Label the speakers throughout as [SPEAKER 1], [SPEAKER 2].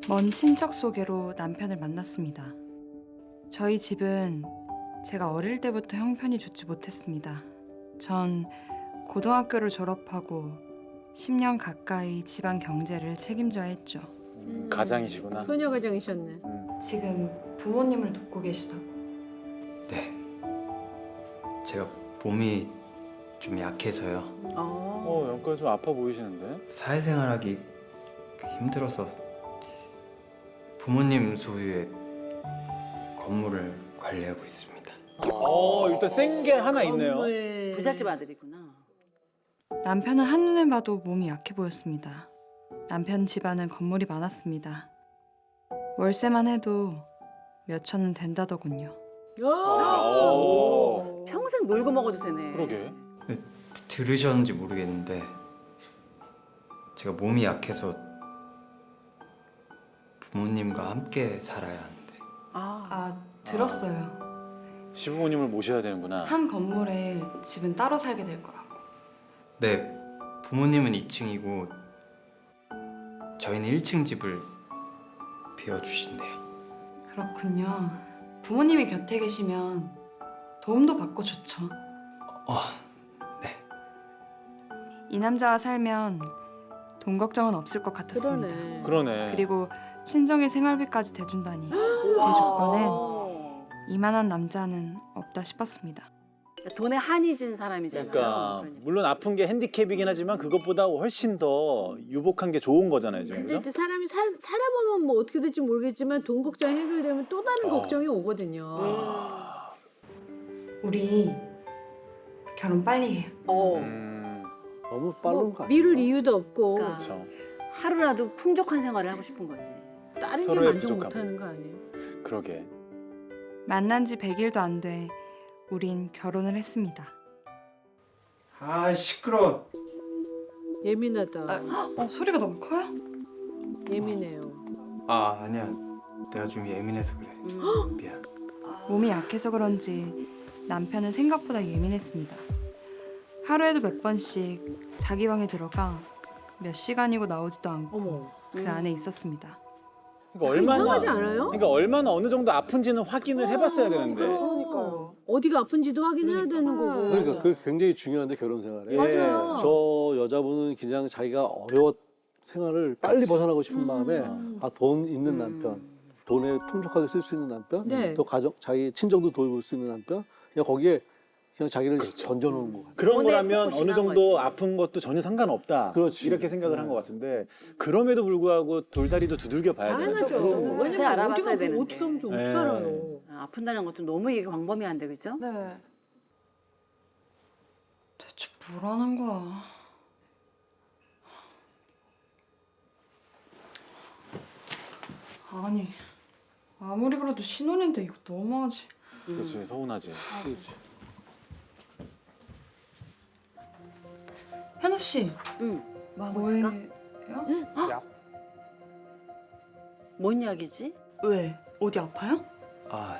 [SPEAKER 1] 먼 친척 소개로 남편을 만났습니다. 저희 집은 제가 어릴 때부터 형편이 좋지 못했습니다. 전 고등학교를 졸업하고 10년 가까이 집안 경제를 책임져야 했죠.
[SPEAKER 2] 가장이시구나.
[SPEAKER 3] 소녀 가장이셨네.
[SPEAKER 1] 지금 부모님을 돕고 계시다고.
[SPEAKER 4] 네. 제가 몸이 좀 약해서요.
[SPEAKER 2] 연가 좀 아파 보이시는데?
[SPEAKER 4] 사회생활하기 힘들어서 부모님 소유의 건물을 관리하고 있습니다.
[SPEAKER 2] 일단 센 게 하나 있네요.
[SPEAKER 3] 건물.
[SPEAKER 5] 부잣집 아들이구나.
[SPEAKER 1] 남편은 한눈에 봐도 몸이 약해 보였습니다. 남편 집안은 건물이 많았습니다. 월세만 해도 몇 천은 된다더군요.
[SPEAKER 2] 오.
[SPEAKER 5] 평생 놀고 먹어도 되네.
[SPEAKER 2] 그러게.
[SPEAKER 4] 들으셨는지 모르겠는데 제가 몸이 약해서 부모님과 함께 살아야 하는데
[SPEAKER 1] 아, 들었어요.
[SPEAKER 2] 시부모님을 모셔야 되는구나.
[SPEAKER 1] 한 건물에 집은 따로 살게 될 거라고.
[SPEAKER 4] 네, 부모님은 2층이고 저희는 1층 집을 비워주신대요.
[SPEAKER 1] 그렇군요. 부모님이 곁에 계시면 도움도 받고 좋죠.
[SPEAKER 4] 네.
[SPEAKER 1] 이 남자와 살면 돈 걱정은 없을 것 같았습니다.
[SPEAKER 3] 그러네.
[SPEAKER 2] 그러네.
[SPEAKER 1] 그리고 친정의 생활비까지 대준다니 제 조건엔 이만한 남자는 없다 싶었습니다.
[SPEAKER 5] 돈에 한이 진 사람이잖아요.
[SPEAKER 2] 그러니까 물론 아픈 게 핸디캡이긴 하지만 그것보다 훨씬 더 유복한 게 좋은 거잖아요, 지금.
[SPEAKER 3] 근데
[SPEAKER 2] 그죠?
[SPEAKER 3] 이제 사람이 살아보면 뭐 어떻게 될지 모르겠지만 돈 걱정이 해결되면 또 다른 걱정이 오거든요.
[SPEAKER 1] 우리 결혼 빨리 해요.
[SPEAKER 6] 너무 빠른
[SPEAKER 3] 뭐
[SPEAKER 6] 거 아니야?
[SPEAKER 3] 미룰 이유도 없고
[SPEAKER 5] 그러니까.
[SPEAKER 2] 그렇죠.
[SPEAKER 5] 하루라도 풍족한 생활을 하고 싶은 거지.
[SPEAKER 3] 다른 게
[SPEAKER 2] 서로의
[SPEAKER 3] 만족
[SPEAKER 2] 부족함.
[SPEAKER 3] 못하는 거 아니에요?
[SPEAKER 2] 그러게.
[SPEAKER 1] 만난 지 100일도 안 돼 우린 결혼을 했습니다.
[SPEAKER 4] 아 시끄러.
[SPEAKER 3] 예민하다.
[SPEAKER 1] 소리가 너무 커요?
[SPEAKER 3] 예민해요.
[SPEAKER 4] 아 아니야. 내가 좀 예민해서 그래. 미안.
[SPEAKER 1] 몸이 약해서 그런지 남편은 생각보다 예민했습니다. 하루에도 몇 번씩 자기 방에 들어가 몇 시간이고 나오지도 않고
[SPEAKER 3] 어머.
[SPEAKER 1] 그 안에 있었습니다.
[SPEAKER 2] 그러니까
[SPEAKER 3] 이상하지 않아요?
[SPEAKER 2] 그러니까 얼마나 어느 정도 아픈지는 확인을 해봤어야 되는데.
[SPEAKER 3] 그러니까요. 어디가 아픈지도 확인해야 되는 거고.
[SPEAKER 6] 그러니까 그게 굉장히 중요한데 결혼 생활에.
[SPEAKER 2] 예.
[SPEAKER 3] 맞아요.
[SPEAKER 6] 저 여자분은 그냥 자기가 어려워 생활을 빨리 벗어나고 싶은 마음에 돈 있는 남편, 돈에 풍족하게 쓸 수 있는 남편,
[SPEAKER 3] 네.
[SPEAKER 6] 또 가족 자기 친정도 돌볼 수 있는 남편, 그냥 거기에 그냥 자기를 던져놓은 거 같아요.
[SPEAKER 2] 그런
[SPEAKER 5] 돈에
[SPEAKER 2] 거라면
[SPEAKER 5] 푹
[SPEAKER 2] 어느
[SPEAKER 5] 신한
[SPEAKER 2] 정도
[SPEAKER 5] 거지.
[SPEAKER 2] 아픈 것도 전혀 상관없다.
[SPEAKER 6] 그렇지.
[SPEAKER 2] 이렇게 생각을 한 것 같은데 그럼에도 불구하고 돌다리도 두들겨 봐야 되는
[SPEAKER 3] 당연하죠.
[SPEAKER 2] 거죠.
[SPEAKER 5] 그럼.
[SPEAKER 3] 왜냐면
[SPEAKER 5] 자세히 알아봤어야
[SPEAKER 3] 어떻게
[SPEAKER 5] 되는데.
[SPEAKER 3] 하면 좀 어떻게
[SPEAKER 2] 네.
[SPEAKER 3] 알아요?
[SPEAKER 5] 아픈다는 것도 너무 이게 광범위한데, 그죠?
[SPEAKER 1] 네. 대체 뭐라는 거야? 아니 아무리 그래도 신혼인데 이거 너무하지.
[SPEAKER 2] 그렇지, 서운하지.
[SPEAKER 1] 현우 씨
[SPEAKER 5] 응. 뭐 하고 있을까?
[SPEAKER 1] 뭐예요?
[SPEAKER 5] 뭔 이야기지?
[SPEAKER 1] 왜? 어디 아파요?
[SPEAKER 4] 아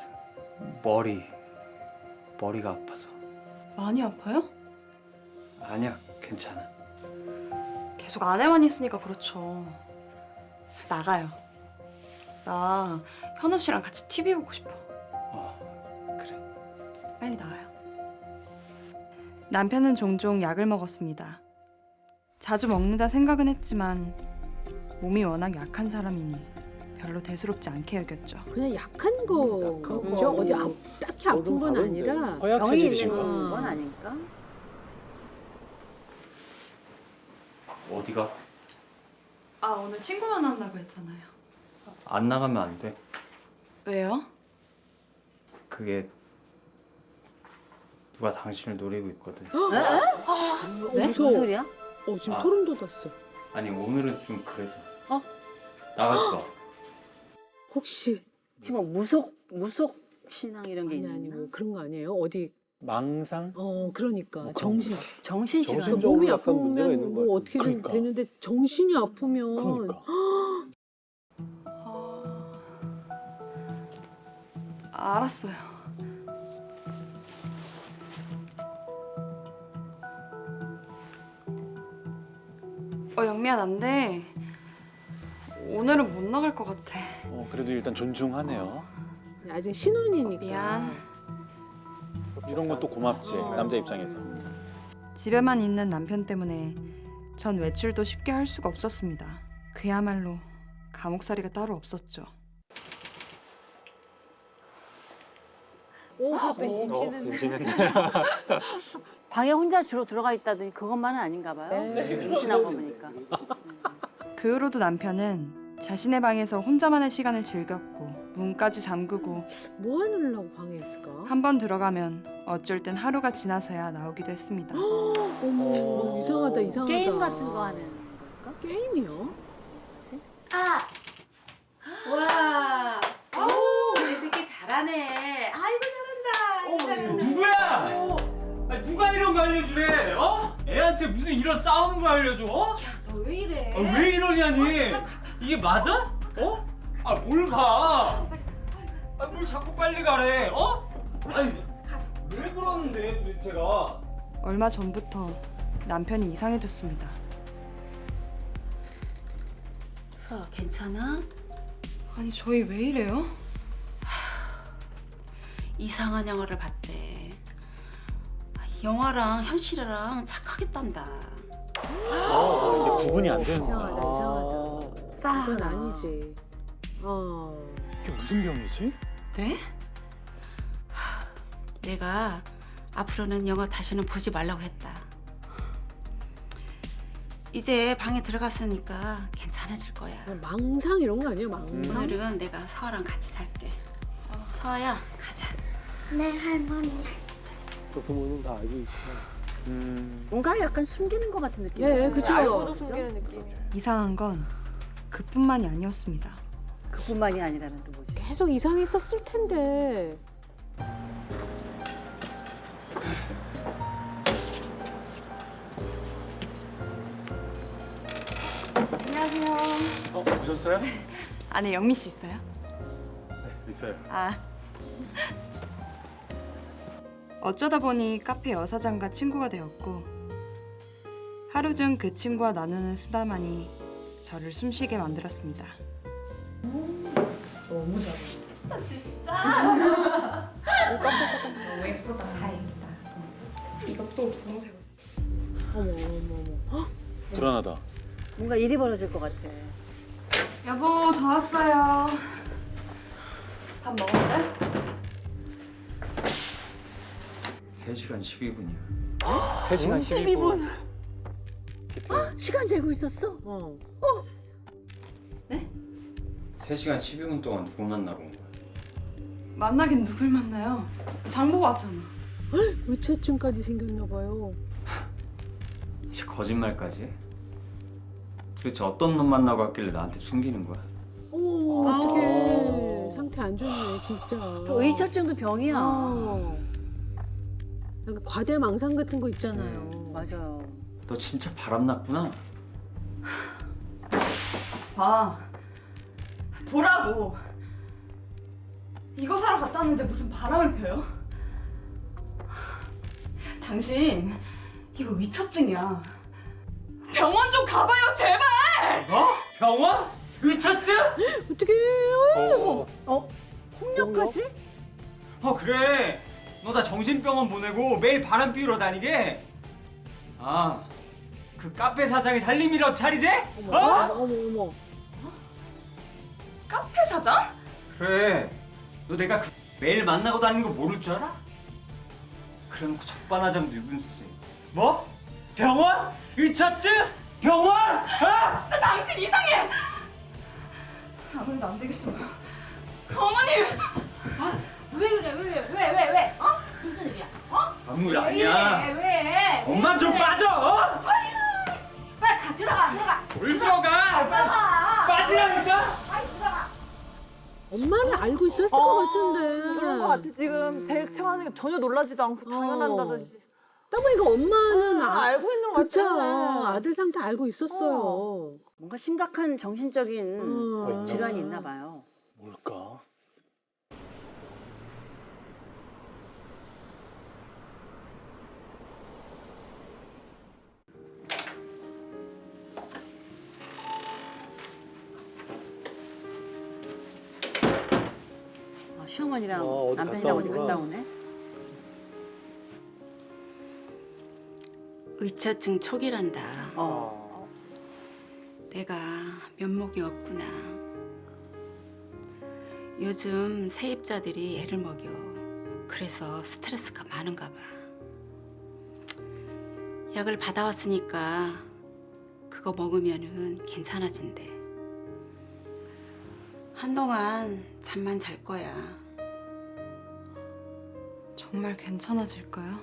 [SPEAKER 4] 머리가 아파서.
[SPEAKER 1] 많이 아파요?
[SPEAKER 4] 아니야 괜찮아.
[SPEAKER 1] 계속 안에만 있으니까 그렇죠. 나가요. 나 현우 씨랑 같이 TV 보고 싶어.
[SPEAKER 4] 그래.
[SPEAKER 1] 빨리 나가요. 남편은 종종 약을 먹었습니다. 자주 먹는다 생각은 했지만 몸이 워낙 약한 사람이니 별로 대수롭지 않게 여겼죠.
[SPEAKER 3] 그냥 약한 거. 그죠? 어디 딱히 아픈 건
[SPEAKER 6] 다른데.
[SPEAKER 3] 아니라.
[SPEAKER 5] 병이
[SPEAKER 2] 허약해지신
[SPEAKER 5] 있는
[SPEAKER 2] 거.
[SPEAKER 5] 건 아닐까?
[SPEAKER 4] 어디가?
[SPEAKER 1] 아 오늘 친구 만난다고 했잖아요.
[SPEAKER 4] 안 나가면 안 돼.
[SPEAKER 1] 왜요?
[SPEAKER 4] 그게 누가 당신을 노리고 있거든.
[SPEAKER 1] 네?
[SPEAKER 3] 무서워.
[SPEAKER 5] 무슨 소리야?
[SPEAKER 3] 지금
[SPEAKER 4] 아.
[SPEAKER 3] 소름 돋았어.
[SPEAKER 4] 아니 오늘은 좀 그래서.
[SPEAKER 5] 어?
[SPEAKER 4] 나가지 마.
[SPEAKER 3] 혹시
[SPEAKER 5] 지금 뭐 무속 신앙 이런 게
[SPEAKER 3] 아니
[SPEAKER 5] 있나?
[SPEAKER 3] 아니 뭐 그런 거 아니에요? 어디
[SPEAKER 2] 망상?
[SPEAKER 3] 그러니까
[SPEAKER 2] 뭐 그런
[SPEAKER 3] 정신.
[SPEAKER 5] 정신질환.
[SPEAKER 6] 정신적으로
[SPEAKER 3] 몸이
[SPEAKER 6] 약간 문제가
[SPEAKER 3] 아프면
[SPEAKER 6] 있는 것
[SPEAKER 3] 뭐
[SPEAKER 6] 같은데.
[SPEAKER 3] 어떻게든
[SPEAKER 2] 그러니까.
[SPEAKER 3] 되는데 정신이 아프면
[SPEAKER 2] 그러니까.
[SPEAKER 1] 알았어요. 영미야 난데 오늘은 못 나갈 것 같아.
[SPEAKER 2] 그래도 일단 존중하네요.
[SPEAKER 3] 아직 신혼이니까.
[SPEAKER 1] 미안.
[SPEAKER 2] 이런 것도 고맙지 남자 입장에서.
[SPEAKER 1] 집에만 있는 남편 때문에 전 외출도 쉽게 할 수가 없었습니다. 그야말로 감옥살이가 따로 없었죠.
[SPEAKER 5] 방에 혼자 주로 들어가 있다더니 그것만은 아닌가 봐요. 임신한 거 보니까.
[SPEAKER 1] 그 후로도 남편은 자신의 방에서 혼자만의 시간을 즐겼고 문까지 잠그고
[SPEAKER 3] 뭐 하느라고 방해했을까?
[SPEAKER 1] 한 번 들어가면 어쩔 땐 하루가 지나서야 나오기도 했습니다.
[SPEAKER 3] 어머, 이상하다, 이상하다.
[SPEAKER 5] 게임 같은 거 하는 걸까?
[SPEAKER 3] 게임이요?
[SPEAKER 7] 와, 오, 내 새끼 잘하네. 아이고 잘한다.
[SPEAKER 4] 누구야? 아니, 누가 이런 거 알려주래? 애한테 무슨 이런 싸우는 거 알려줘?
[SPEAKER 7] 너 왜 이래?
[SPEAKER 4] 왜 이러냐니? 이게 맞아? 뭘 가? 뭘 자꾸 빨리 가래? 아니, 왜 그러는데 도대체가?
[SPEAKER 1] 얼마 전부터 남편이 이상해졌습니다.
[SPEAKER 7] 서 괜찮아?
[SPEAKER 1] 아니 저희 왜 이래요?
[SPEAKER 7] 이상한 영화를 봤대. 영화랑 현실이랑 착하겠단다.
[SPEAKER 2] 이게 구분이 안 되는 거야.
[SPEAKER 3] 이상하다, 이상하다. 그건 아니지.
[SPEAKER 2] 이게 무슨 병이지?
[SPEAKER 1] 네?
[SPEAKER 7] 내가 앞으로는 영화 다시는 보지 말라고 했다. 이제 방에 들어갔으니까 괜찮아질 거야.
[SPEAKER 3] 망상 이런 거 아니야, 망상?
[SPEAKER 7] 오늘은 내가 서아랑 같이 살게. 서아야, 가자.
[SPEAKER 6] 또 부모는 다 알고 있구나.
[SPEAKER 5] 뭔가를 약간 숨기는 것 같은 느낌.
[SPEAKER 3] 예, 그쵸.
[SPEAKER 1] 이상한 건 그뿐만이 아니었습니다.
[SPEAKER 5] 그뿐만이 아니라면 또 뭐지?
[SPEAKER 3] 계속 이상했었을 텐데.
[SPEAKER 4] 오셨어요?
[SPEAKER 1] 안에 영미 씨 있어요?
[SPEAKER 4] 있어요.
[SPEAKER 1] 아. 어쩌다 보니 카페 여사장과 친구가 되었고 하루 중 그 친구와 나누는 수다만이 저를 숨쉬게 만들었습니다.
[SPEAKER 3] 어머, 어머, 어머.
[SPEAKER 2] 불안하다.
[SPEAKER 5] 뭔가 일이 벌어질 것 같아.
[SPEAKER 1] 여보, 저 왔어요. 밥 먹었어요?
[SPEAKER 4] 3시간 12분이야.
[SPEAKER 6] 3시간 12분.
[SPEAKER 5] 시간 재고 있었어?
[SPEAKER 4] 3시간 12분 동안 누구 만나고 온 거야?
[SPEAKER 1] 만나긴 누굴 만나요? 장 보고 왔잖아.
[SPEAKER 3] 의처증까지 생겼나 봐요.
[SPEAKER 4] 이제 거짓말까지 해? 도대체 어떤 놈 만나고 왔길래 나한테 숨기는 거야?
[SPEAKER 3] 어머, 어떡해. 상태 안 좋네, 진짜.
[SPEAKER 5] 의처증도 병이야.
[SPEAKER 3] 약간 과대망상 같은 거 있잖아요.
[SPEAKER 5] 맞아요.
[SPEAKER 4] 너 진짜 바람났구나.
[SPEAKER 1] 봐. 보라고. 이거 사러 갔다 왔는데 무슨 바람을 펴요? 당신 이거 위처증이야. 병원 좀 가봐요, 제발.
[SPEAKER 4] 병원? 의처증?
[SPEAKER 3] 어떡해요?
[SPEAKER 5] 폭력까지?
[SPEAKER 4] 그래. 너 나 정신병원 보내고 매일 바람 피우러 다니게? 그 카페 사장이 살림이라고 차리지?
[SPEAKER 3] 어머, 어머.
[SPEAKER 1] 카페 사장?
[SPEAKER 4] 그래. 너 내가 매일 만나고 다니는 거 모를 줄 알아? 그래놓고 적반하장도 유분수지. 뭐? 병원? 의처증? 병원?
[SPEAKER 1] 진짜 당신 이상해. 아무래도 안 되겠어. 어머니.
[SPEAKER 7] 왜 그래? 왜? 무슨 일이야?
[SPEAKER 4] 아무 일 아니야.
[SPEAKER 7] 왜?
[SPEAKER 4] 엄마 좀 빠져.
[SPEAKER 7] 빨리 가 들어가.
[SPEAKER 4] 뭘 들어가? 빠지라니까.
[SPEAKER 3] 엄마는 알고 있었을 것 같은데.
[SPEAKER 8] 그런 것 같아. 지금 대처하는 게 전혀 놀라지도 않고 당연한다듯이.
[SPEAKER 3] 딱 보니까 엄마는
[SPEAKER 8] 알고 있는 것
[SPEAKER 3] 그쵸.
[SPEAKER 8] 같아.
[SPEAKER 3] 아들 상태 알고 있었어요.
[SPEAKER 5] 뭔가 심각한 정신적인
[SPEAKER 3] 질환이
[SPEAKER 5] 질환이 있나 봐요.
[SPEAKER 2] 뭘까?
[SPEAKER 5] 시어머니랑
[SPEAKER 6] 어디
[SPEAKER 5] 남편이랑 어디
[SPEAKER 6] 갔다
[SPEAKER 5] 갔다
[SPEAKER 6] 오구나.
[SPEAKER 5] 오네.
[SPEAKER 7] 의처증 초기란다.
[SPEAKER 5] 어.
[SPEAKER 7] 내가 면목이 없구나. 요즘 세입자들이 애를 먹여. 그래서 스트레스가 많은가 봐. 약을 받아왔으니까 그거 먹으면은 괜찮아진대. 한동안 잠만 잘 거야.
[SPEAKER 1] 정말 괜찮아질까요?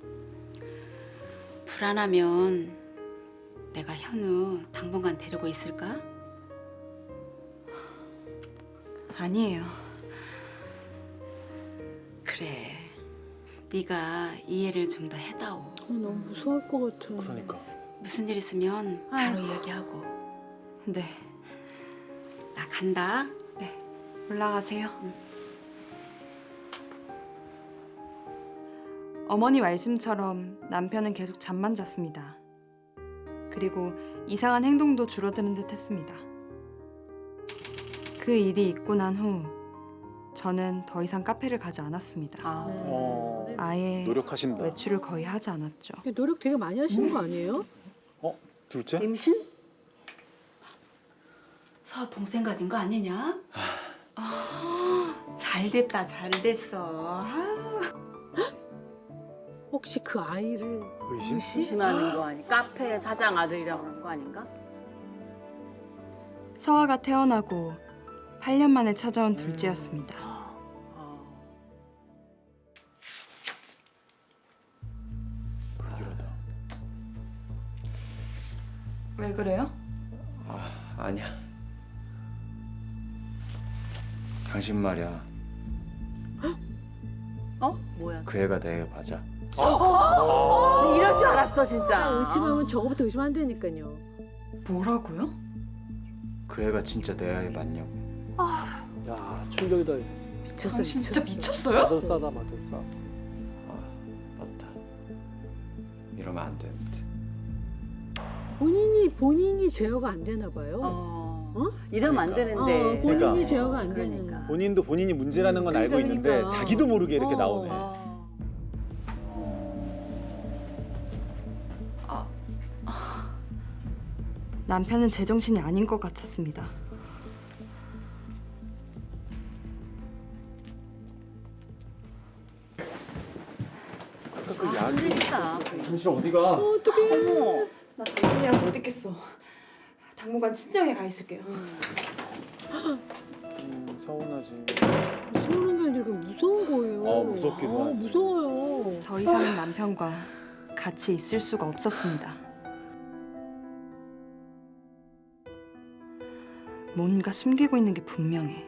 [SPEAKER 7] 불안하면 내가 현우 당분간 데리고 있을까?
[SPEAKER 1] 아니에요.
[SPEAKER 7] 그래. 네가 이해를 좀 더 해다오.
[SPEAKER 3] 너무 무서울 것 같아.
[SPEAKER 2] 그러니까.
[SPEAKER 7] 무슨 일 있으면 바로 이야기하고.
[SPEAKER 1] 네,
[SPEAKER 7] 나 간다.
[SPEAKER 1] 올라가세요. 어머니 말씀처럼 남편은 계속 잠만 잤습니다. 그리고 이상한 행동도 줄어드는 듯 했습니다. 그 일이 있고 난 후 저는 더 이상 카페를 가지 않았습니다.
[SPEAKER 5] 아.
[SPEAKER 1] 아예
[SPEAKER 2] 노력하신다.
[SPEAKER 1] 외출을 거의 하지 않았죠.
[SPEAKER 3] 노력 되게 많이 하시는 거 아니에요?
[SPEAKER 2] 둘째?
[SPEAKER 5] 임신?
[SPEAKER 7] 서 동생 가진 거 아니냐? 잘 됐다, 잘 됐어.
[SPEAKER 3] 혹시 그 아이를
[SPEAKER 2] 의심?
[SPEAKER 5] 의심하는 거 아니? 카페 사장 아들이라고 그런 거 아닌가?
[SPEAKER 1] 서아가 태어나고 8년 만에 찾아온 둘째였습니다.
[SPEAKER 2] 불길하다.
[SPEAKER 1] 왜 그래요?
[SPEAKER 9] 아니야. 당신 말이야.
[SPEAKER 5] 어? 뭐야?
[SPEAKER 9] 그 애가 내 애 맞아.
[SPEAKER 5] 이럴 줄 알았어 진짜.
[SPEAKER 3] 의심하면 저거부터 의심하면 되니까요.
[SPEAKER 1] 뭐라고요?
[SPEAKER 9] 그 애가 진짜 내 아이 맞냐고.
[SPEAKER 6] 야, 충격이다.
[SPEAKER 3] 미쳤어,
[SPEAKER 1] 당신 진짜
[SPEAKER 3] 미쳤어.
[SPEAKER 1] 미쳤어요?
[SPEAKER 6] 마법사다, 마법사.
[SPEAKER 9] 맞다. 이러면 안 되는데.
[SPEAKER 3] 본인이 제어가 안 되나 봐요.
[SPEAKER 5] 어. 이러면 안 되는데.
[SPEAKER 3] 본인이
[SPEAKER 2] 그러니까.
[SPEAKER 3] 제어가 안 되는.
[SPEAKER 5] 그러니까.
[SPEAKER 2] 본인도 본인이 문제라는 건 알고
[SPEAKER 3] 그러니까.
[SPEAKER 2] 있는데 자기도 모르게 이렇게
[SPEAKER 3] 어.
[SPEAKER 2] 나오네.
[SPEAKER 1] 남편은 제정신이 아닌 것 같았습니다.
[SPEAKER 2] 아까 그 약이
[SPEAKER 5] 그러니까.
[SPEAKER 9] 당신 어디가?
[SPEAKER 5] 어머.
[SPEAKER 1] 나 당신이랑 못 있겠어. 당분간 친정에 가 있을게요.
[SPEAKER 2] 서운하지.
[SPEAKER 3] 무서운 게 아니라 그냥 무서운 거예요.
[SPEAKER 2] 무섭기도 하지.
[SPEAKER 3] 무서워요.
[SPEAKER 1] 더 이상은 남편과 같이 있을 수가 없었습니다. 뭔가 숨기고 있는 게 분명해.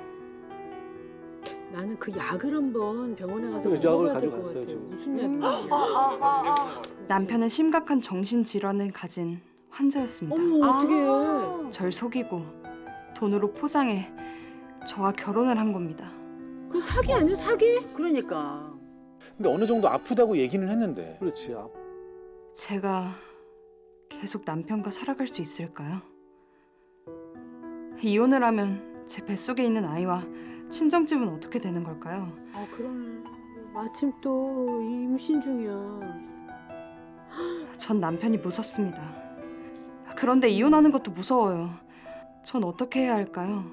[SPEAKER 3] 나는 그 약을 한번 병원에 가서
[SPEAKER 6] 그 약을
[SPEAKER 3] 먹어봐야 될 것
[SPEAKER 6] 가져갔어요,
[SPEAKER 3] 같아요.
[SPEAKER 6] 지금.
[SPEAKER 3] 무슨 약인지.
[SPEAKER 1] 남편은 심각한 정신질환을 가진 환자였습니다.
[SPEAKER 3] 어머 어떡해.
[SPEAKER 1] 절 속이고 돈으로 포장해 저와 결혼을 한 겁니다.
[SPEAKER 3] 그 사기 아니야 사기?
[SPEAKER 5] 그러니까.
[SPEAKER 2] 근데 어느 정도 아프다고 얘기는 했는데.
[SPEAKER 6] 그렇지.
[SPEAKER 1] 제가 계속 남편과 살아갈 수 있을까요? 이혼을 하면 제 뱃속에 있는 아이와 친정집은 어떻게 되는 걸까요?
[SPEAKER 3] 아 그러네. 마침 또 임신 중이야.
[SPEAKER 1] 전 남편이 무섭습니다. 그런데 이혼하는 것도 무서워요. 전 어떻게 해야 할까요?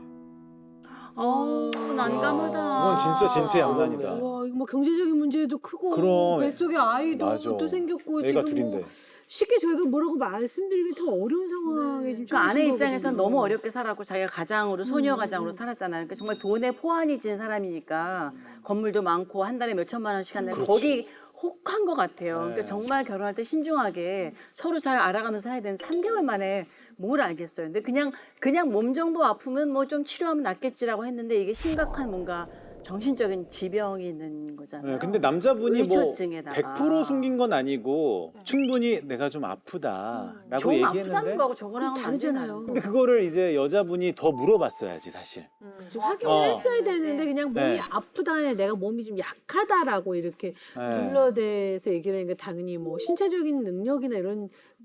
[SPEAKER 5] 난감하다.
[SPEAKER 2] 이건 진짜 진퇴양난이다.
[SPEAKER 3] 와 이거 뭐 경제적인 문제도 크고
[SPEAKER 2] 그럼.
[SPEAKER 3] 뱃속에 아이도
[SPEAKER 2] 맞아.
[SPEAKER 3] 또 생겼고
[SPEAKER 2] 애가
[SPEAKER 3] 지금 뭐
[SPEAKER 2] 둘인데.
[SPEAKER 3] 쉽게 저희가 뭐라고 말씀드리기 참 어려운 상황에 지금
[SPEAKER 5] 그 아내
[SPEAKER 3] 처하신
[SPEAKER 5] 입장에선
[SPEAKER 3] 거거든요.
[SPEAKER 5] 너무 어렵게 살았고 자기가 가장으로 소녀 가장으로 살았잖아요. 그러니까 정말 돈에 포환이 진 사람이니까 건물도 많고 한 달에 몇 천만 원씩 한다는
[SPEAKER 2] 그렇지.
[SPEAKER 5] 거기 혹한 것 같아요.
[SPEAKER 2] 네.
[SPEAKER 5] 그러니까 정말 결혼할 때 신중하게 서로 잘 알아가면서 해야 되는 3개월 만에 뭘 알겠어요. 근데 그냥 몸 정도 아프면 뭐 좀 치료하면 낫겠지라고 했는데 이게 심각한 뭔가 정신적인 지병이 있는 거잖아요.
[SPEAKER 2] 네, 근데 남자분이 뭐
[SPEAKER 5] 의처증에다가.
[SPEAKER 2] 100% 숨긴 건 아니고 충분히 내가 좀 아프다라고
[SPEAKER 5] 좀 아프다는
[SPEAKER 2] 얘기했는데.
[SPEAKER 5] 거하고 저거랑은
[SPEAKER 3] 그건
[SPEAKER 5] 완전
[SPEAKER 3] 다르잖아요.
[SPEAKER 5] 다른
[SPEAKER 2] 근데
[SPEAKER 5] 거.
[SPEAKER 2] 그거를 이제 여자분이 더 물어봤어야지 사실.
[SPEAKER 3] 좀 확인을
[SPEAKER 2] 어.
[SPEAKER 3] 했어야 되는데 그냥 몸이
[SPEAKER 2] 네.
[SPEAKER 3] 아프다, 내가 몸이 좀 약하다라고 이렇게
[SPEAKER 2] 네.
[SPEAKER 3] 둘러대서 얘기를 하니까 당연히 뭐 신체적인 능력이나 이런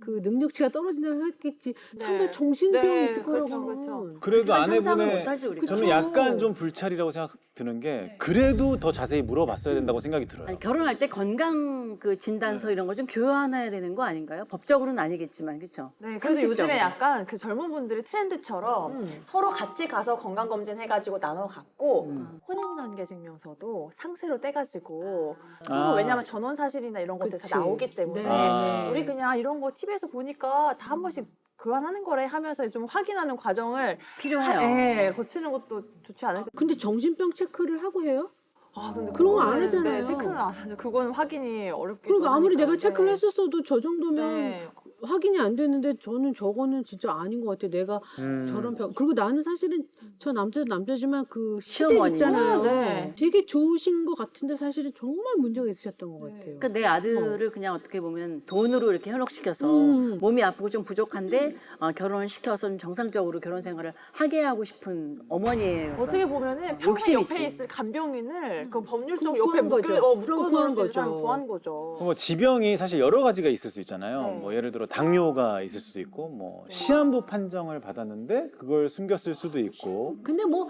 [SPEAKER 3] 그 능력치가 떨어진다고 했겠지.
[SPEAKER 8] 네.
[SPEAKER 3] 설마 정신병이
[SPEAKER 8] 네,
[SPEAKER 3] 있을 거라고.
[SPEAKER 8] 그렇죠, 그렇죠.
[SPEAKER 2] 그래도
[SPEAKER 5] 상상을
[SPEAKER 2] 아내분의
[SPEAKER 5] 못하지 우리가.
[SPEAKER 2] 저는
[SPEAKER 3] 그쵸.
[SPEAKER 2] 약간 좀 불찰이라고 생각 드는 게 그래도 더 자세히 물어봤어야 된다고 생각이 들어요.
[SPEAKER 5] 아니, 결혼할 때 건강 그 진단서 이런 거 좀 교환해야 되는 거 아닌가요? 법적으로는 아니겠지만 그렇죠?
[SPEAKER 8] 네, 그래도 요즘에
[SPEAKER 5] 상식적으로.
[SPEAKER 8] 약간 그 젊은 분들이 트렌드처럼 서로 같이 가서 건강검진 해가지고 나눠 갖고 혼인관계 증명서도 상세로 떼가지고 서로 왜냐하면 전원 사실이나 이런 것들
[SPEAKER 3] 그치.
[SPEAKER 8] 다 나오기 때문에
[SPEAKER 3] 네,
[SPEAKER 2] 아.
[SPEAKER 3] 네.
[SPEAKER 8] 우리 그냥 이런 거 TV에서 보니까 다 한 번씩 교환하는 거래 하면서 좀 확인하는 과정을
[SPEAKER 5] 필요해요.
[SPEAKER 8] 예, 거치는 것도 좋지 않을까.
[SPEAKER 3] 근데 정신병 체크를 하고 해요?
[SPEAKER 8] 아, 근데
[SPEAKER 3] 그런 거 안
[SPEAKER 8] 그거는,
[SPEAKER 3] 하잖아요.
[SPEAKER 8] 네, 체크는 안 하죠. 그거는 확인이 어렵기도
[SPEAKER 3] 그러니까 아무리
[SPEAKER 8] 하니까.
[SPEAKER 3] 내가 체크를
[SPEAKER 8] 네.
[SPEAKER 3] 했었어도 저 정도면
[SPEAKER 8] 네.
[SPEAKER 3] 확인이 안 됐는데 저거는 진짜 아닌 것 같아. 내가 저런 병. 그리고 나는 사실은 저 남자지만 그 시댁
[SPEAKER 5] 시어머니.
[SPEAKER 3] 있잖아요.
[SPEAKER 8] 네.
[SPEAKER 3] 되게 좋으신 것 같은데 사실은 정말 문제가 있으셨던 것 같아요.
[SPEAKER 5] 그러니까 내 아들을 그냥 어떻게 보면 돈으로 이렇게 현혹시켜서 몸이 아프고 좀 부족한데 결혼을 시켜서 좀 정상적으로 결혼 생활을 하게 하고 싶은 어머니예요.
[SPEAKER 8] 어떻게 보면은 평생
[SPEAKER 5] 욕심이지.
[SPEAKER 8] 옆에 있을 간병인을 그 법률적
[SPEAKER 3] 그거
[SPEAKER 8] 옆에
[SPEAKER 3] 구한 거죠.
[SPEAKER 8] 묶어놓을
[SPEAKER 3] 구한
[SPEAKER 8] 수 있는 사람
[SPEAKER 3] 거죠.
[SPEAKER 8] 구한 거죠.
[SPEAKER 2] 뭐 지병이 사실 여러 가지가 있을 수 있잖아요.
[SPEAKER 8] 네.
[SPEAKER 2] 뭐 예를 들어 당뇨가 있을 수도 있고, 뭐 시한부 판정을 받았는데 그걸 숨겼을 수도 있고.
[SPEAKER 3] 근데 뭐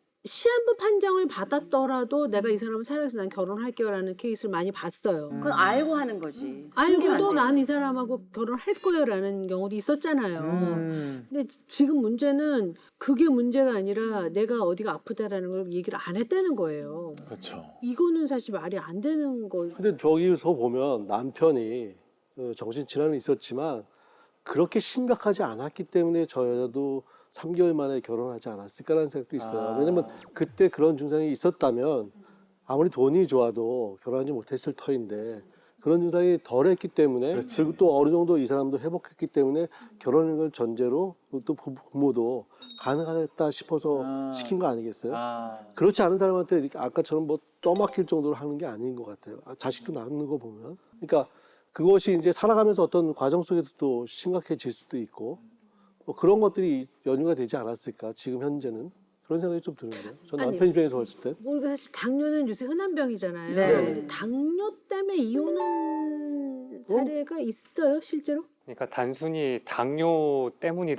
[SPEAKER 3] 시한부 판정을 받았더라도 내가 이 사람을 사랑해서 난 결혼할게요라는 케이스를 많이 봤어요.
[SPEAKER 5] 그건 알고 하는 거지. 숨기면 안
[SPEAKER 3] 알고도
[SPEAKER 5] 되지.
[SPEAKER 3] 난 이 사람하고 결혼할 거예요라는 경우도 있었잖아요.
[SPEAKER 2] 음.
[SPEAKER 3] 근데 지금 문제는 그게 문제가 아니라 내가 어디가 아프다라는 걸 얘기를 안 했다는 거예요.
[SPEAKER 2] 그렇죠.
[SPEAKER 3] 이거는 사실 말이 안 되는 거.
[SPEAKER 6] 근데 저기서 보면 남편이 정신질환은 있었지만 그렇게 심각하지 않았기 때문에 저 여자도 3개월 만에 결혼하지 않았을까라는 생각도 있어요. 왜냐면 그때 그런 증상이 있었다면 아무리 돈이 좋아도 결혼하지 못했을 터인데 그런 증상이 덜했기 때문에 그리고 또 어느 정도 이 사람도 회복했기 때문에 결혼을 걸 전제로 또 부모도 가능하겠다 싶어서 시킨 거 아니겠어요? 그렇지 않은 사람한테 이렇게 아까처럼 뭐 떠맡길 정도로 하는 게 아닌 것 같아요. 자식도 낳는 거 보면. 그러니까 그것이 이제 살아가면서 어떤 과정 속에서 또 심각해질 수도 있고 뭐 그런 것들이 연유가 되지 않았을까 지금 현재는 그런 생각이 좀 드는데요. 전
[SPEAKER 3] 아니,
[SPEAKER 6] 남편 입장에서 봤을 때.
[SPEAKER 3] 뭐 사실 당뇨는 요새 흔한 병이잖아요.
[SPEAKER 5] 네.
[SPEAKER 3] 근데 당뇨 때문에 이혼한 사례가 있어요, 실제로?
[SPEAKER 10] 그러니까 단순히 당뇨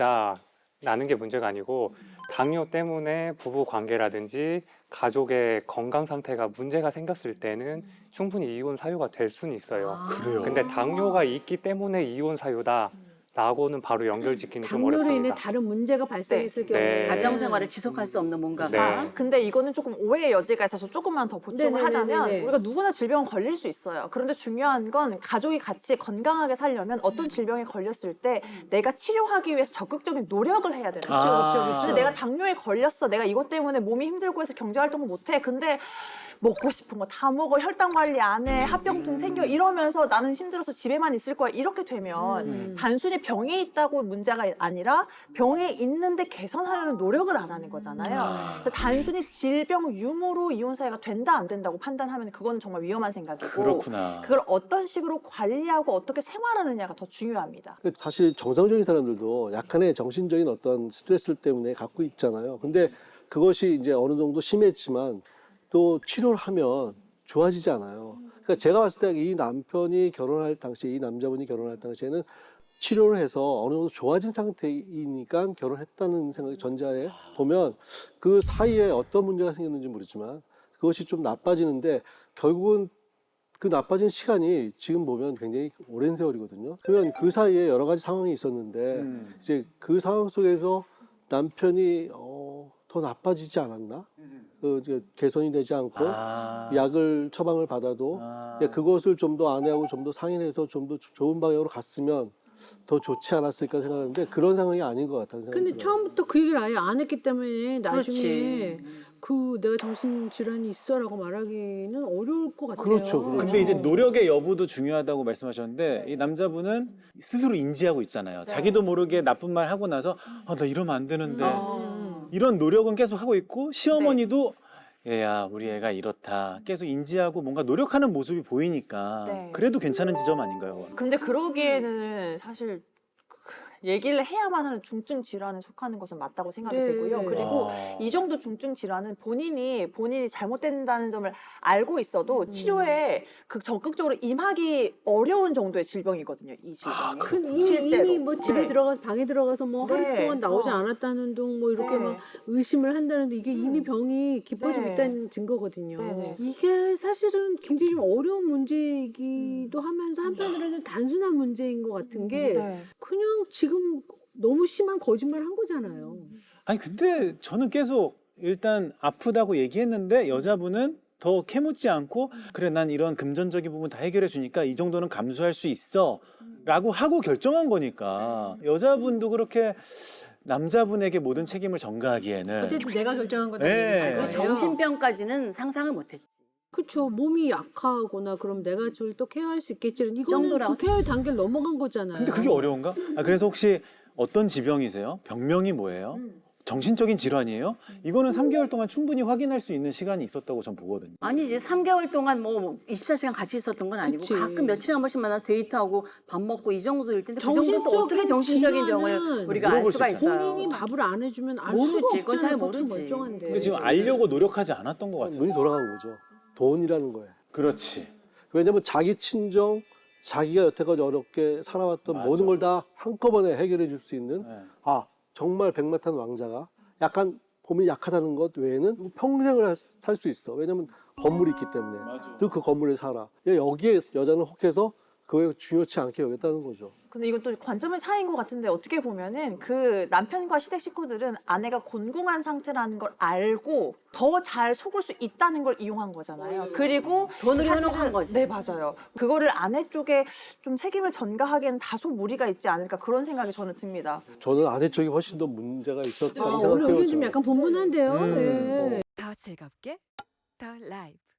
[SPEAKER 10] 때문이다라는 게 문제가 아니고 당뇨 때문에 부부 관계라든지 가족의 건강 상태가 문제가 생겼을 때는 충분히 이혼 사유가 될 수는 있어요.
[SPEAKER 2] 그래요.
[SPEAKER 10] 근데 당뇨가 있기 때문에 이혼 사유다라고는 바로 연결짓기는 좀
[SPEAKER 3] 당뇨로 인해
[SPEAKER 10] 어렵습니다.
[SPEAKER 3] 다른 문제가 발생했을
[SPEAKER 10] 네.
[SPEAKER 3] 경우에
[SPEAKER 10] 네.
[SPEAKER 5] 가정 생활을 지속할 수 없는 뭔가가
[SPEAKER 10] 네.
[SPEAKER 8] 근데 이거는 조금 오해의 여지가 있어서 조금만 더 보충을
[SPEAKER 3] 네네네네네.
[SPEAKER 8] 하자면 우리가 누구나 질병은 걸릴 수 있어요. 그런데 중요한 건 가족이 같이 건강하게 살려면 어떤 질병에 걸렸을 때 내가 치료하기 위해서 적극적인 노력을 해야 되는 거죠.
[SPEAKER 3] 그렇죠.
[SPEAKER 8] 근데 내가 당뇨에 걸렸어. 내가 이것 때문에 몸이 힘들고 해서 경제활동을 못해. 근데 먹고 싶은 거 다 먹어. 혈당 관리 안 해. 합병증 생겨. 이러면서 나는 힘들어서 집에만 있을 거야. 이렇게 되면 단순히 병에 있다고 문제가 아니라 병에 있는데 개선하려는 노력을 안 하는 거잖아요. 그래서 단순히 질병 유무로 이혼 사유가 된다 안 된다고 판단하면 그거는 정말 위험한 생각이고
[SPEAKER 2] 그렇구나.
[SPEAKER 8] 그걸 어떤 식으로 관리하고 어떻게 생활하느냐가 더 중요합니다.
[SPEAKER 6] 사실 정상적인 사람들도 약간의 정신적인 어떤 스트레스 때문에 갖고 있잖아요. 근데 그것이 이제 어느 정도 심했지만 또 치료를 하면 좋아지지 않아요. 그러니까 제가 봤을 때 이 남편이 결혼할 당시에 이 남자분이 결혼할 당시에는 치료를 해서 어느 정도 좋아진 상태이니까 결혼했다는 생각이 전자에 보면 그 사이에 어떤 문제가 생겼는지 모르지만 그것이 좀 나빠지는데 결국은 그 나빠진 시간이 지금 보면 굉장히 오랜 세월이거든요. 그러면 그 사이에 여러 가지 상황이 있었는데 이제 그 상황 속에서 남편이 더 나빠지지 않았나? 이제 개선이 되지 않고 약을 처방을 받아도 그것을 좀 더 아내하고 좀 더 상의해서 좀 더 좋은 방향으로 갔으면 더 좋지 않았을까 생각하는데 그런 상황이 아닌 것 같다는 생각이
[SPEAKER 3] 근데
[SPEAKER 6] 들어요.
[SPEAKER 3] 처음부터 그 얘기를 아예 안 했기 때문에 나중에
[SPEAKER 5] 그렇지.
[SPEAKER 3] 그 내가 정신질환이 있어라고 말하기는 어려울 것 같아요.
[SPEAKER 6] 그렇죠, 그렇죠.
[SPEAKER 2] 근데 이제 노력의 여부도 중요하다고 말씀하셨는데 이 남자분은 스스로 인지하고 있잖아요. 자기도 모르게 나쁜 말 하고 나서 나 이러면 안 되는데 이런 노력은 계속 하고 있고 시어머니도 얘야 우리 애가 이렇다 계속 인지하고 뭔가 노력하는 모습이 보이니까
[SPEAKER 8] 네.
[SPEAKER 2] 그래도 괜찮은 지점 아닌가요?
[SPEAKER 8] 근데 그러기에는 사실 얘기를 해야만 하는 중증 질환에 속하는 것은 맞다고 생각이 되고요. 그리고 이 정도 중증 질환은 본인이 잘못된다는 점을 알고 있어도 치료에 적극적으로 임하기 어려운 정도의 질병이거든요. 이 질병이. 실제로.
[SPEAKER 3] 이미 뭐 집에
[SPEAKER 8] 네.
[SPEAKER 3] 들어가서 방에 들어가서 뭐 하루
[SPEAKER 8] 네.
[SPEAKER 3] 동안 나오지 않았다는 둥 뭐 이렇게
[SPEAKER 8] 네.
[SPEAKER 3] 막 의심을 한다는데 이게 이미 병이 깊어지고
[SPEAKER 8] 네.
[SPEAKER 3] 있다는 증거거든요.
[SPEAKER 8] 네.
[SPEAKER 3] 이게 사실은 굉장히 좀 어려운 문제이기도 하면서 한편으로는 단순한 문제인 것 같은 게
[SPEAKER 8] 네.
[SPEAKER 3] 그냥 지금 너무 심한 거짓말 한 거잖아요.
[SPEAKER 2] 아니 근데 저는 계속 일단 아프다고 얘기했는데 여자분은 더 캐묻지 않고 그래 난 이런 금전적인 부분 다 해결해 주니까 이 정도는 감수할 수 있어 라고 하고 결정한 거니까 여자분도 그렇게 남자분에게 모든 책임을 전가하기에는
[SPEAKER 3] 어쨌든 내가 결정한 거다.
[SPEAKER 2] 네.
[SPEAKER 5] 그 정신병까지는 상상을 못했지.
[SPEAKER 3] 그렇죠. 몸이 약하거나 그럼 내가 저를 또 케어할 수 있겠지는 이거는
[SPEAKER 5] 정도라고
[SPEAKER 3] 그 케어의 단계를 넘어간 거잖아요.
[SPEAKER 2] 근데 그게 어려운가? 그래서 혹시 어떤 지병이세요? 병명이 뭐예요? 정신적인 질환이에요? 이거는 3개월 동안 충분히 확인할 수 있는 시간이 있었다고 전 보거든요.
[SPEAKER 5] 아니지 3개월 동안 뭐 24시간 같이 있었던 건 아니고
[SPEAKER 3] 그치.
[SPEAKER 5] 가끔 며칠에 한 번씩 만나서 데이트하고 밥 먹고 이 정도일 텐데 그
[SPEAKER 3] 정신적인
[SPEAKER 5] 정도 또 어떻게 정신적인 병을
[SPEAKER 3] 질환은
[SPEAKER 5] 우리가 알
[SPEAKER 2] 물어볼
[SPEAKER 5] 수가
[SPEAKER 2] 수 있잖아요.
[SPEAKER 5] 있어요.
[SPEAKER 3] 본인이 밥을 안 해주면 알
[SPEAKER 5] 모르지.
[SPEAKER 3] 수가
[SPEAKER 5] 그건 잘
[SPEAKER 3] 없잖아요. 보통
[SPEAKER 5] 모르지.
[SPEAKER 3] 멀쩡한데.
[SPEAKER 2] 근데 지금 알려고 노력하지 않았던 것 같아요.
[SPEAKER 6] 눈이 돌아간 거죠. 돈이라는 거예요.
[SPEAKER 2] 그렇지.
[SPEAKER 6] 왜냐면 자기 친정, 자기가 여태까지 어렵게 살아왔던
[SPEAKER 2] 맞아.
[SPEAKER 6] 모든 걸 다 한꺼번에 해결해 줄 수 있는
[SPEAKER 2] 네.
[SPEAKER 6] 정말 백마탄 왕자가 약간 몸이 약하다는 것 외에는 평생을 살 수 있어. 왜냐면 건물이 있기 때문에. 또 그 건물에 살아. 여기에 여자는 혹해서 그게 중요치 않게 여겼다는 거죠.
[SPEAKER 8] 근데 이건 또 관점의 차이인 것 같은데 어떻게 보면은 그 남편과 시댁 식구들은 아내가 곤궁한 상태라는 걸 알고 더 잘 속을 수 있다는 걸 이용한 거잖아요. 그리고
[SPEAKER 5] 돈을
[SPEAKER 8] 사실은-
[SPEAKER 5] 현혹한 거지.
[SPEAKER 8] 네, 맞아요. 그거를 아내 쪽에 좀 책임을 전가하기에는 다소 무리가 있지 않을까 그런 생각이 저는 듭니다.
[SPEAKER 6] 저는 아내 쪽이 훨씬 더 문제가 있었다고
[SPEAKER 3] 오늘
[SPEAKER 6] 생각해요.
[SPEAKER 3] 의견 좀
[SPEAKER 6] 저는.
[SPEAKER 3] 약간 분분한데요. 예.
[SPEAKER 1] 더 즐겁게 더 라이브